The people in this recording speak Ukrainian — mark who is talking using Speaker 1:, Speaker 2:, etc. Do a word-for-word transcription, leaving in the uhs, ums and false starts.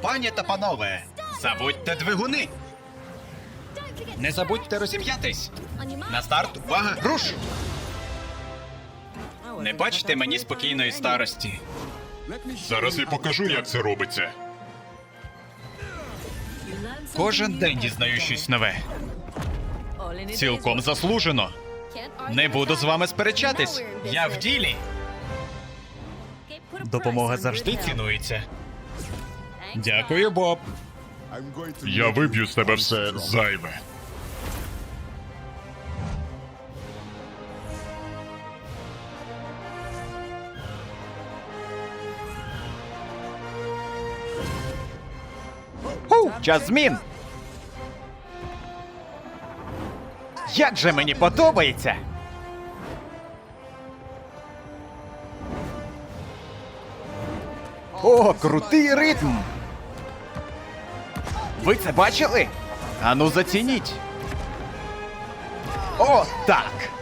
Speaker 1: Пані та панове, забудьте двигуни. Не забудьте розім'ятись. На старт, увага, руш! Не бачите мені спокійної старості.
Speaker 2: Зараз я покажу, як це робиться.
Speaker 1: Кожен день дізнаю щось нове. Цілком заслужено. Не буду з вами сперечатись. Я в ділі. Допомога завжди цінується. Дякую, Боб.
Speaker 2: Я виб'ю з тебе все зайве.
Speaker 1: Ху, час змін. Як же мені подобається. О, крутий ритм. Ви це бачили? Ану, зацініть. О, так.